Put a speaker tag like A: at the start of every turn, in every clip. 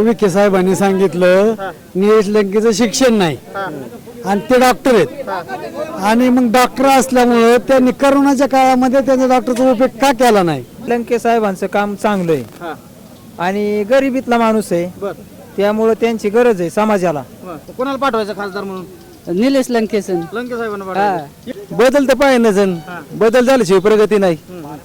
A: विखे साहेबांनी सांगितलं निलेश लंकेचं शिक्षण नाही आणि ते डॉक्टर आहेत आणि मग डॉक्टर असल्यामुळं त्यांनी करोनाच्या काळामध्ये त्यांचा डॉक्टरचा उपयोग का केला नाही.
B: लंके साहेबांचं काम चांगलं आहे आणि गरिबीतला माणूस आहे त्यामुळे त्यांची गरज आहे समाजाला.
C: कोणाला पाठवायचं खासदार म्हणून?
D: निलेश लंकेसन.
C: लंके साहेबांना पाठवायचं.
B: बदल तर पाहिजे ना जण बदल झाल्याशिवाय प्रगती नाही.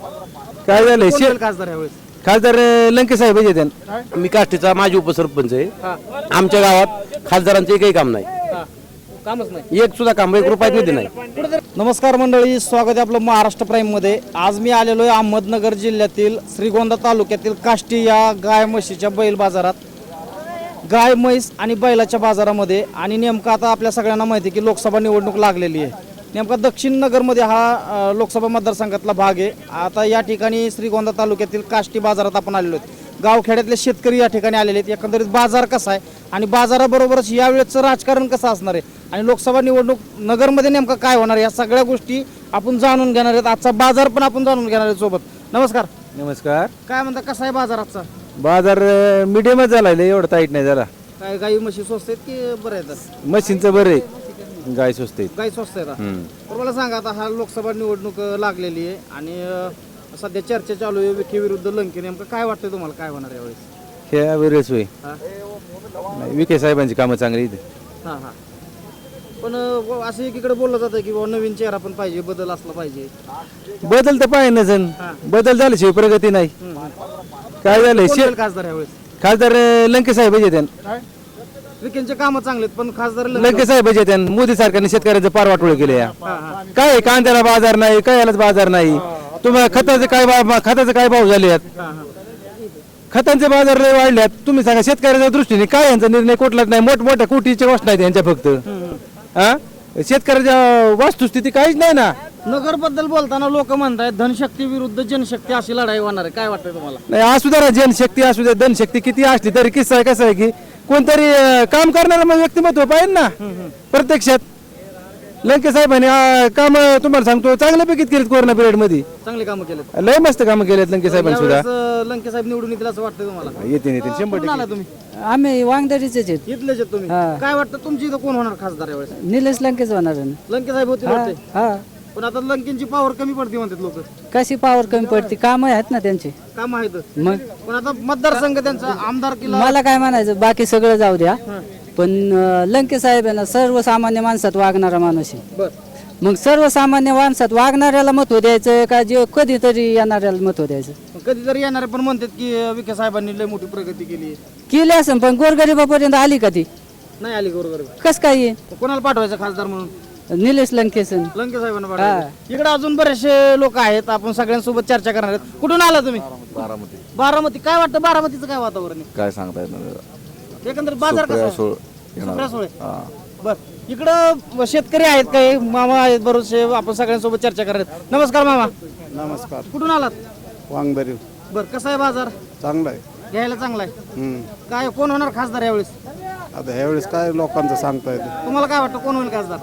B: काय झालंय
C: कोण होईल खासदार यावेळेस?
B: खासदार लंके साहेब येते.
E: मी काष्टीचा माजी उपसरपंच आहे. आमच्या गावात खासदारांचं एकही काम नाही,
C: कामच नाही.
E: एक सुद्धा काम, एक रुपयात निधी नाही.
C: नमस्कार मंडळी, स्वागत आहे आपलं महाराष्ट्र प्राईम मध्ये. आज मी आलेलो आहे अहमदनगर जिल्ह्यातील श्रीगोंदा तालुक्यातील काष्टी या गाय म्हशीच्या बैल बाजारात. गाय म्हैस आणि बैलाच्या बाजारामध्ये. आणि नेमकं आता आपल्या सगळ्यांना माहिती आहे की लोकसभा निवडणूक लागलेली आहे. नेमका दक्षिण नगरमध्ये हा लोकसभा मतदारसंघातला भाग आहे. आता या ठिकाणी श्रीगोंदा तालुक्यातील काष्टी बाजारात आपण आलेलो आहेत. गावखेड्यातले शेतकरी या ठिकाणी आलेले आहेत. एकंदरीत बाजार कसा आहे आणि बाजाराबरोबरच यावेळेचं राजकारण कसं असणार आहे आणि लोकसभा निवडणूक नगरमध्ये नेमकं काय होणार आहे, या सगळ्या गोष्टी आपण जाणून घेणार आहेत. आजचा बाजार पण आपण जाणून घेणार आहेत सोबत. नमस्कार.
B: नमस्कार.
C: काय म्हणता, कसा आहे बाजार आजचा?
B: बाजार मीडियमच झाला, एवढं टाईट नाही झाला.
C: काय गाई म्हशी स्वस्त आहेत की बरं आहेत?
B: मशीनचं बरं आहे, गाय स्वस्त आहे.
C: गाई स्वस्त आहेत. तर मला सांगा, आता हा लोकसभा निवडणूक लागलेली आहे आणि सध्या चर्चा चालू आहे विखे विरुद्ध लंके. नेमकं काय वाटतंय तुम्हाला, काय होणार यावेळेस?
B: ह्या वेळेस होय
C: हा
B: विखे साहेबांची कामं चांगली इथे.
C: हा हा. पण असं एकीकडे बोललं जातं की बाबा नवीन चेहरा पण पाहिजे, बदल असला पाहिजे.
B: बदल तर पाहिजे ना जण बदल झाल्याशिवाय प्रगती नाही. काय झालंय
C: कोण होईल खासदार यावेळेस?
B: खासदार लंके साहेब येते.
C: विखेंचे कामं चांगले आहेत पण खासदार
B: लंके साहेब येते. मोदी सरकारने शेतकऱ्याचं पार वाटोळ केले.
C: हा हा.
B: काय कांद्याला बाजार नाही, काय बाजार नाही. तुम्हाला खताचे काय भाव झाले आहेत,
C: हा हा.
B: खतांचे बाजार लय वाढल्यात. तुम्ही सांगा शेतकऱ्याच्या दृष्टीने काय यांचा निर्णय कुठलाच नाही. मोठमोठ्या कोटीच्या गोष्ट आहेत यांच्या फक्त. हा शेतकऱ्याच्या वस्तुस्थिती काहीच नाही ना.
C: नगर बद्दल बोलताना लोक म्हणतात धनशक्ती विरुद्ध जनशक्ती अशी लढाई होणार आहे. काय वाटतंय तुम्हाला?
B: नाही असू द्या, जनशक्ती असू द्या, धनशक्ती किती असली तरी किस्सा आहे कसं आहे की कोणतरी काम करणारा मग व्यक्तिमत्व पाहिजे ना प्रत्यक्षात. लंके साहेबांनी काम तुम्हाला सांगतो चांगल्यापैकी केलेत. कोरोना पिरियड मध्ये
C: चांगली कामं केलेत.
B: लय मस्त कामं केलेत लंके साहेबांनी सुद्धा.
C: यावेळेस लंके साहेब निवडून येतील असं वाटतंय तुम्हाला?
B: येते 100%.
C: कुठून आला तुम्ही?
D: आम्ही वांगदरीचेच आहेत.
C: इथलेच आहेत तुम्ही. काय वाटतं तुमची इथं कोण होणार खासदार यावेळेस?
D: निलेश लंकेच होणार आहे.
C: लंके साहेब होते वाटते.
D: हा.
C: पण आता लंकेंची पॉवर कमी पडते म्हणतात लोक.
D: कशी पावर कमी पडते, काम आहेत ना त्यांचे.
C: काम आहेत
D: मग
C: पण आता मतदारसंघ त्यांचा आमदार किल्ला.
D: मला काय म्हणायचं, बाकी सगळं जाऊ द्या, पण लंके साहेब आहे ना सर्वसामान्य माणसात वागणारा माणूस आहे.
C: बर.
D: मग सर्वसामान्य माणसात वागणाऱ्याला महत्व द्यायचं का जे कधीतरी येणाऱ्याला महत्व द्यायचं?
C: कधीतरी येणारे पण म्हणतात की विखे साहेबांनी लय मोठी प्रगती केली.
D: केली असं पण गोरगरिबापर्यंत आली का ती?
C: नाही आली बरोबर.
D: कस काय येईल?
C: कोणाला पाठवायचं खासदार म्हणून?
D: निलेश लंकेसन.
C: लंके साहेबांना पाठवायचं. इकडे अजून बरेचसे लोक आहेत, आपण सगळ्यांसोबत चर्चा करणार आहेत. कुठून आला तुम्ही?
F: बारामती.
C: बारामती. काय वाटतं बारामतीचं काय वातावरण आहे?
F: काय सांगता येत नाही.
C: एकंदर बाजार कसा आहे?
F: येणार.
C: सुप्रिया सुळे. बर. इकडं शेतकरी आहेत काही मामा आहेत बरोचसे, आपण सगळ्यांसोबत चर्चा करणार आहेत. नमस्कार मामा.
A: नमस्कार.
C: कुठून आलात?
A: वांगदरी.
C: बर. कसा आहे बाजार?
A: चांगला आहे.
C: घ्यायला चांगला आहे. काय कोण होणार खासदार यावेळेस?
A: आता ह्यावेळेस काय लोकांचं सांगता येतं.
C: तुम्हाला काय वाटतं कोण होईल खासदार?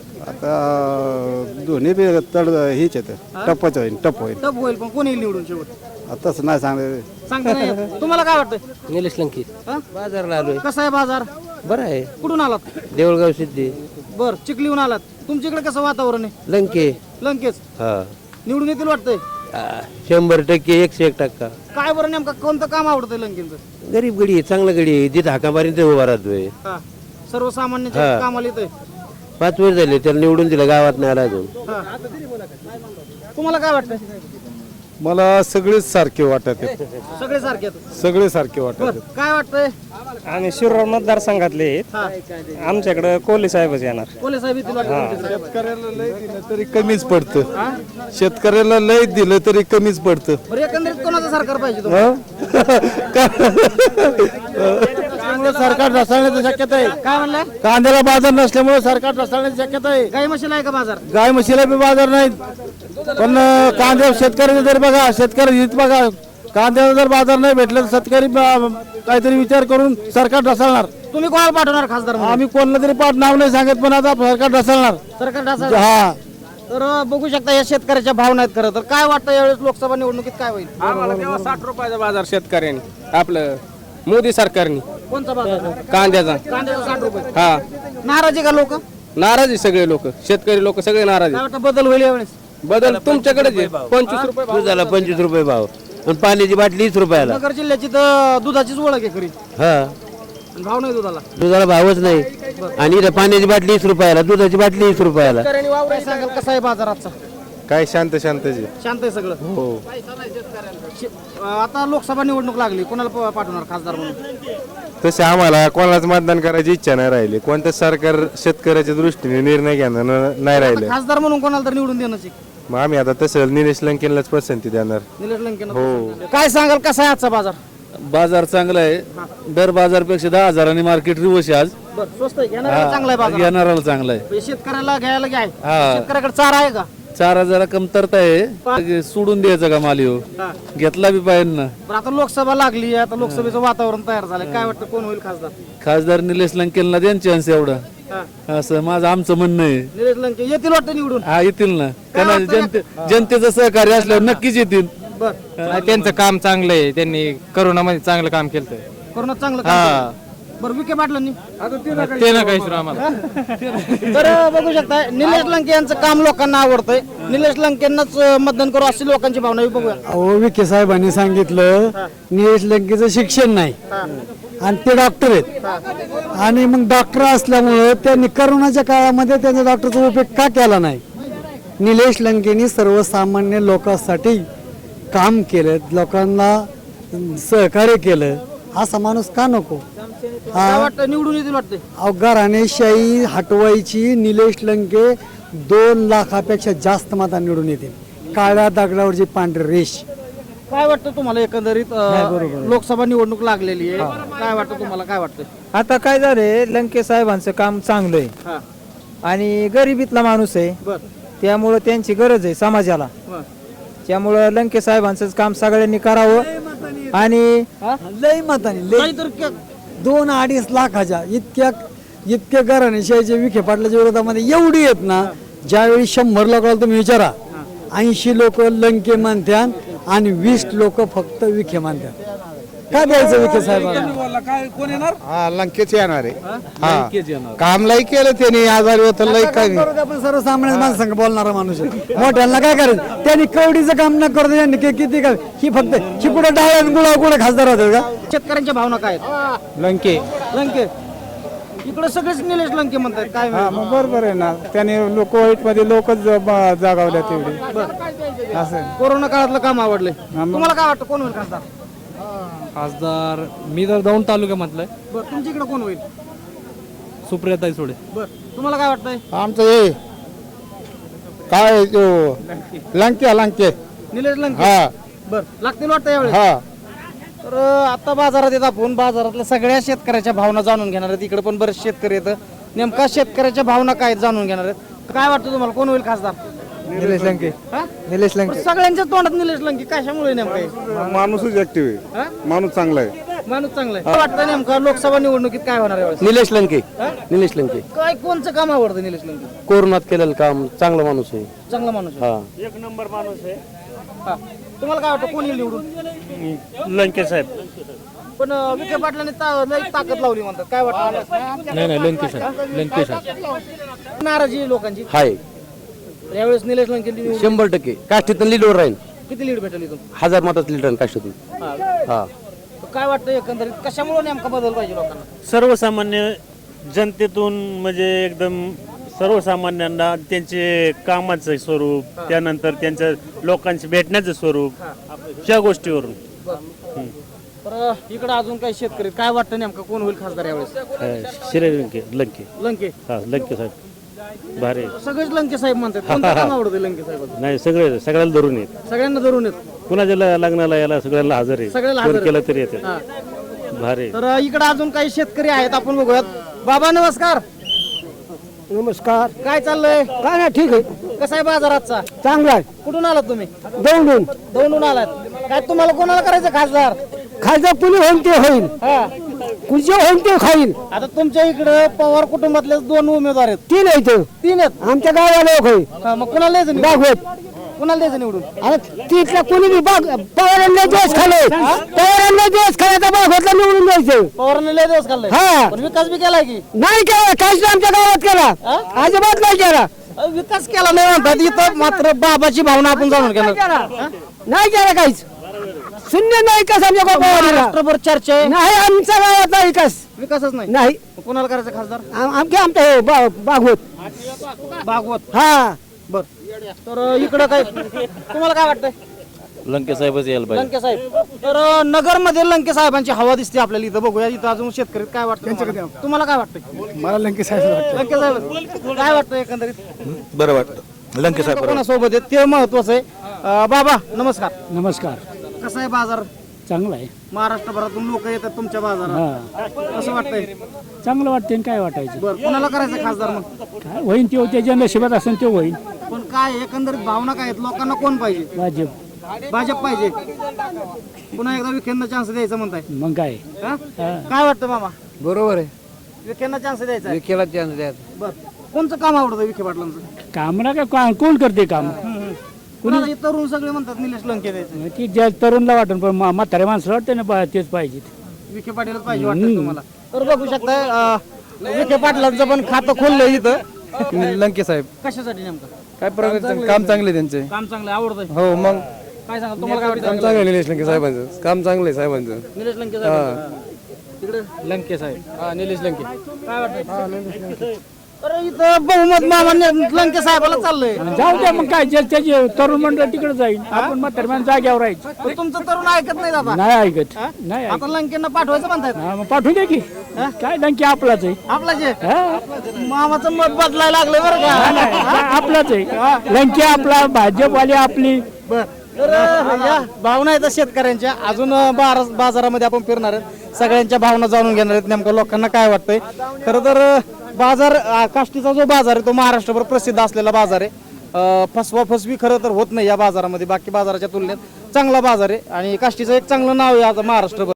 A: आता दोन्ही बी तड हीच येतं, टपच होईल, टप होईल.
C: टप होईल पण कोण येईल निवडून शेवट?
A: आताच नाही सांगता.
C: सांगता नाही येत. तुम्हाला काय वाटतं?
E: निलेश लंके
C: हा?
E: बाजारला आलोय.
C: कसा आहे बाजार?
E: बरं आहे.
C: कुठून आलात?
E: देऊळगाव सिद्धी.
C: बर. चिखलीहून आलात. तुमच्याकडे कसं वातावरण आहे?
E: लंके
C: लंकेच
E: हा
C: निवडून येतील वाटतंय?
E: 100% 101%.
C: काय बरं नेमका कोणतं काम आवडतंय लंकेंचं?
E: गरीब गडी आहे, चांगलं गडी आहे. जिथं हाका मारीन ते उभा राहतोय.
C: हा. सर्वसामान्यांच्या कामाला येतोय.
E: 5 वर्ष झाले त्याला निवडून दिलं, गावात नाही आला अजून.
C: हा. तुम्हाला काय वाटतंय?
A: मला सगळेच सारखे वाटत आहेत.
C: सगळे सारखे आहेत.
A: सगळे सारखे वाटत
C: बर.
A: आहेत.
C: काय वाटतंय?
B: आम्ही शिरूर मतदारसंघातले आहेत.
C: हा.
B: आमच्याकडे कोहली साहेबच येणार.
C: कोले साहेब येतील वाटतं.
A: शेतकऱ्याला लय दिलं तरी कमीच पडतं. शेतकऱ्याला लय दिलं तरी कमीच पडतं.
C: बरं. एकंदरीत कोणाचं सरकार पाहिजे तुम्हाला?
A: सरकार ढासळण्याची शक्यता आहे.
C: काय म्हणलं?
A: कांद्याला बाजार नसल्यामुळे सरकार ढासळण्याची शक्यता आहे.
C: गाई म्हशीला आहे का बाजार?
A: गाय म्हशीला बी बाजार नाहीत. पण कांद्या शेतकऱ्याचं जर बघा, शेतकरी हित बघा, कांद्याला जर बाजार नाही भेटला तर शेतकरी काहीतरी विचार करून सरकार ढासळणार.
C: तुम्ही कोणाला पाठवणार खासदार म्हणून?
A: आम्ही कोणाला तरी नाव नाही सांगत, पण आता सरकार ढासळणार.
C: सरकार ढासळ.
A: हा.
C: तर बघू शकता या शेतकऱ्याच्या भावना आहेत. खरं तर काय वाटतं यावेळेस लोकसभा निवडणुकीत काय होईल?
B: आम्हाला तेव्हा 60 रुपयाचा बाजार शेतकऱ्यांनी आपलं मोदी सरकारने
C: कोणता बाजार
B: कांद्याचा
C: कांद्याचा 60 रुपये
B: हा
C: नाराजी का लोक
B: नाराज आहे सगळे लोक शेतकरी लोक सगळे नाराज
C: काय वाटतं बदल होईल यावेळेस
B: बदल तुमच्याकडेच आहे 25 रुपये
E: दुधाला 25 रुपये भाव आणि पाण्याची बाटली 20 रुपयाला.
C: नगर जिल्ह्याची तर दुधाचीच ओळख आहे खरी
E: हा
C: आणि भाव नाही दुधाला
E: दुधाला भावच नाही आणि इथं पाण्याची बाटली 20 रुपयाला, दुधाची बाटली 20 रुपयाला.
C: शेतकऱ्यांनी वावर सांगाल कसा आहे बाजाराचा
B: काय शांतची
C: शांत आहे सगळं
B: हो
C: आता लोकसभा निवडणूक लागली कोणाला पाठवणार खासदार म्हणून
B: तसे आम्हाला कोणालाच मतदान करायची इच्छा नाही राहिली कोणतं सरकार शेतकऱ्याच्या दृष्टीने निर्णय घेणार नाही राहिले
C: खासदार म्हणून कोणाला तर निवडून देण्याची
B: मग आम्ही आता तसं निलेश लंकेनलाच पसंती देणार
C: निलेश लंकेनं काय सांगाल कसा आहे आजचा बाजार
G: बाजार चांगला आहे दर बाजारपेक्षा 10,000 मार्केट रिवर्स आहे आज
C: बरं स्वस्त आहे घेणाऱ्याला चांगला आहे बाजार
G: येणाराला चांगला आहे
C: म्हणजे शेतकऱ्याला घ्यायला घ्याय
G: हा.
C: शेतकऱ्याकडे चारा आहे का
G: 4,000 कमतरता आहे सोडून द्यायचं का माल ह्यो?
C: हा.
G: घेतला बी पाहिजे ना
C: बरं आता लोकसभा लागली आता लोकसभेचं वातावरण तयार झालंय काय वाटतं कोण होईल खासदार
G: खासदार निलेश लंकेलला द्या चान्स एवढा
C: हा.
G: असं माझं आमचं म्हणणं आहे
C: निलेश लंके येतील वाटतं निवडून
G: हा येतील ना कारण जनतेचं सहकार्य असल्यावर नक्कीच येतील
C: बरं
B: त्यांचं काम चांगलं आहे त्यांनी करोनामध्ये चांगलं काम केलं
C: कोरोना चांगलं काम केलं. बरं विखे पाटलांनी
B: ते ना काही आम्हाला
C: तर बघू शकता निलेश लंके यांचं काम लोकांना आवडतंय निलेश लंकेंनाच मतदान करू अशी लोकांची भावना आहे. बघूया
A: अहो विखे साहेबांनी सांगितलं निलेश लंकेचं शिक्षण नाही आणि ते डॉक्टर आहेत आणि मग डॉक्टर असल्यामुळं त्यांनी करोनाच्या काळामध्ये त्यांचा डॉक्टरचा उपयोग का केला नाही. निलेश लंकेनी सर्वसामान्य लोकांसाठी काम केलं लोकांना सहकार्य केलं असा माणूस का नको.
C: काय वाटतं निवडून येतील वाटतंय
A: अहो घराणेशाही हटवायची निलेश लंके 2 लाखापेक्षा जास्त मतांनी निवडून येतील काळ्या दगडावरची पांढरी रेष.
C: काय वाटतं तुम्हाला एकंदरीत लोकसभा निवडणूक लागलेली आहे काय वाटतं तुम्हाला काय वाटतं
H: आता काय झालंय लंके साहेबांचं काम चांगलं आहे
C: हा
H: आणि गरिबीतला माणूस आहे
C: बर
H: त्यामुळं त्यांची गरज आहे समाजाला
C: बर
H: त्यामुळं लंके साहेबांचं काम सगळ्यांनी करावं आणि
A: लय मताने लय
C: नाहीतर
A: 2-2.5 लाखाच्या इतक्या घराणेशाहीच्या विखे पाटलाच्या विरोधामध्ये एवढी आहेत ना ज्यावेळी 100 लोकांना तुम्ही विचारा 80 लोक लंके मानत्यान आणि 20 लोक फक्त विखे मानत्यान. का द्यायचं विखे साहेबांना
B: हा लंकेच येणार आहे काम लई केलं त्यांनी आजारी होत लई काय
A: आपण सर्वसामान्य माणसांना बोलणारा माणूस आहे. मोठ्यांना काय करायचं त्यांनी कवडीचं काम न करतो त्यांनी किती काय ही फक्त ही कुठं डाळ गुळा कुठे खासदार होतात का.
C: शेतकऱ्यांच्या भावना काय आहेत
H: लंके
C: लंके इकडे सगळेच निलेश लंके म्हणतात काय
H: मग बरोबर आहे ना त्याने लोक वाईट मध्ये लोकच जागावल्या तेवढी असं
C: कोरोना काळातलं काम आवडलंय तुम्हाला काय वाटतं कोण होईल खासदार
G: खासदार मी तर दौंड तालुक्यामधलं आहे
C: बरं तुमच्या इकडे कोण होईल
G: सुप्रियाताई सोडे
C: बरं तुम्हाला काय वाटतंय
B: आमचं हे काय लंके
C: निलेश लंके
B: हा
C: बरं लागतील वाटतं यावेळेस
B: हा
C: तर आता बाजारात येत आपण बाजारातल्या सगळ्या शेतकऱ्याच्या भावना जाणून घेणार आहेत इकडे पण बरेच शेतकरी येतं नेमका शेतकऱ्याच्या भावना काय आहेत जाणून घेणार आहेत काय वाटतं तुम्हाला कोण होईल खासदार
H: निलेश लंके
C: हा?
H: निलेश लंके
C: सगळ्यांच्या तोंडात निलेश लंके कशामुळे नेमकं हे?
B: माणूसच ऍक्टिव्ह
C: हा?
B: आहे माणूस चांगला आहे
C: माणूस चांगला आहे काय वाटतं नेमकं लोकसभा निवडणुकीत काय होणार यावेळेस
E: निलेश लंके निलेश लंके
C: काय कोणचं काम आवडतं निलेश लंके
E: कोरोनात केलेलं काम चांगला माणूस आहे.
C: चांगला माणूस आहे.
E: हा
C: हा. तुम्हाला काय वाटतं कोण येईल निवडून
G: लंके साहेब
C: पण विखे पाटलांनी लई ताकद लावली म्हणतात काय वाटतं
G: नाही लंके साहेब
C: नाराजी आहे लोकांची
E: हाय
C: यावेळेस निलेश लंके
E: 100% काष्टीतून लीडवर राहील
C: किती लीड भेटेल इथून
E: 1000 मताचं लीडर काष्टीतून. हा
C: तर काय वाटतं एकंदरीत कशामुळे नेमका बदल पाहिजे लोकांना
I: सर्वसामान्य जनतेतून म्हणजे एकदम सर्वसामान्यांना त्यांचे कामाचं स्वरूप त्यानंतर त्यांच्या लोकांशी भेटण्याचं स्वरूप या गोष्टीवरून
C: तर इकडे अजून काही शेतकरी आहेत. काय वाटतं नेमकं कोण होईल खासदार यावेळेस
I: शिरे लंके
C: लंके
I: हा लंके साहेब भारी
C: सगळेच लंके साहेब म्हणतात कोणतं काम आवडतं लंके साहेब
I: नाही सगळ्याला धरून येत
C: सगळ्यांना धरून येत
I: कुणाच्या लग्नाला याला सगळ्याला हजर आहे
C: सगळ्याला
I: कोण
C: हजर
I: केलं तरी येते
C: हा.
I: भारी
C: तर इकडे अजून काही शेतकरी आहेत आपण बघूयात बाबा नमस्कार
A: नमस्कार
C: काय चाललंय
A: काय नाही ठीक आहे
C: कसा आहे बाजार आजचा
A: चांगला आहे
C: कुठून आलात तुम्ही
A: दोन
C: दौंडून आलात काय तुम्हाला कोणाला करायचं खासदार
A: खायचं कुणी होईल ते होईल
C: हा
A: कुणी होईल ते खाईल
C: आता तुमच्या इकडे पवार कुटुंबातले 2 उमेदवार आहेत
A: 3 आहेत
C: 3 आहेत
A: आमच्या गावाला लोक होईल
C: हा, मग कुणाला यायचं
A: दाखवत
C: कोणाला द्यायचं निवडून?
A: अरे तिथला कोणी बी पवारांना दिवस खाले पवारांना दिवस खाल्याचा भागवतला निवडून द्यायचं.
C: पवारांनी लय दिवस खाल्लाय
A: हा.
C: पण विकास बी केलाय की
A: नाही केला काहीच नाही आमच्या गावात केला अजिबात नाही केला.
C: विकास केला नाही म्हणतात इथं मात्र बाबाची भावना आपण जाणून घेणार
A: नाही केला काहीच शून्य नाही विकास आमच्या गावाला
C: राष्ट्रभर चर्चा आहे
A: नाही आमच्या गावाचा विकास
C: विकासच नाही
A: नाही
C: कोणाला करायचं खासदार?
A: आमच्या भागवत
C: भागवत
A: हा
C: बर तर इकडं काय तुम्हाला काय वाटतंय?
G: लंके साहेबच यायला पाहिजे.
C: लंके साहेब तर नगर मध्ये लंके साहेबांची हवा दिसते आपल्याला इथं बघूया इथं अजून शेतकरी काय वाटतं तुम्हाला काय वाटतंय?
H: मला लंके साहेब
C: लंके साहेब काय वाटतं एकंदरीत
G: बरं वाटतं लंके साहेब
C: कोणासोबत आहे ते महत्वाचं आहे. बाबा नमस्कार.
A: नमस्कार
C: कसं आहे बाजार?
A: चांगलं आहे
C: महाराष्ट्रभरातून लोक येतात तुमच्या बाजारात कसं वाटतंय?
A: चांगलं वाटते काय वाटायचं
C: बरं कोणाला करायचं खासदार मग?
A: काय होईन ते त्याच्या नशिबात असेल ते होईन
C: पण काय एकंदरीत भावना काय आहेत लोकांना कोण पाहिजे?
A: भाजप
C: भाजप पाहिजे पुन्हा एकदा विखेंना चान्स द्यायचा म्हणताय
A: मग काय
C: हा? काय वाटतं मामा
F: बरोबर आहे
C: विखेंना चान्स द्यायचा आहे?
F: केला चान्स द्यायचा.
C: बर कोणचं काम आवडतं विखे पाटलांचं?
A: कामना काय कोण करते काम
C: कुणाला हे तरुण सगळे म्हणतात निलेश लंके द्यायचं
A: ती ज्या तरुणला वाटून पण म्हाताऱ्या माणसाला वाटतं ना तेच पाहिजे
C: विखे पाटीलच पाहिजे वाटतं तुम्हाला तर बघू शकताय विखे पाटलांचं पण खातं खोललंय इथं
B: लंके साहेब
C: कशासाठी नेमकं?
B: काय प्रगती काम चांगले त्यांचे.
C: काम चांगलं आवडतंय
B: हो मग
C: काय सांगा तुम्हाला काय वाटतं?
B: चांगलं आहे निलेश लंके साहेबांचं काम चांगलं आहे साहेबांचं.
C: निलेश लंके साहेब तिकडे
B: लंके साहेब हा निलेश लंके.
C: काय वाटतं? अरे इथं बहुमत मामा लंके साहेबाला चाललंय
A: जाऊ द्या मग काय त्याची तरुण मंडळ तिकडे जाईल आपण म्हाताऱ्या माणसं जाग्यावर राहायचं
C: पण तुमचं तरुण ऐकत नाही दादा
A: नाही ऐकत नाही ऐकत
C: आता लंकेंना पाठवायचं म्हणतायत
A: हा, मग पाठवू दे की काय डंकी आपलाच आहे
C: आपला जे
A: हा?
C: मामाचं मत बदलायला लागलं बरं का?
A: आपलाच आहे लंकी आपला भाजपवाली आपली
C: बर तर या भावना आहेत शेतकऱ्यांच्या अजून बाजारामध्ये आपण फिरणार आहेत सगळ्यांच्या भावना जाणून घेणार आहेत नेमकं लोकांना काय वाटतंय. खरं तर बाजार काष्टीचा जो बाजार आहे तो महाराष्ट्रभर प्रसिद्ध असलेला बाजार आहे. फसवा फसवी खरं तर होत नाही या बाजारामध्ये बाकी बाजाराच्या तुलनेत चांगला बाजार आहे आणि काष्टीचं एक चांगलं नाव आहे आता महाराष्ट्रभर.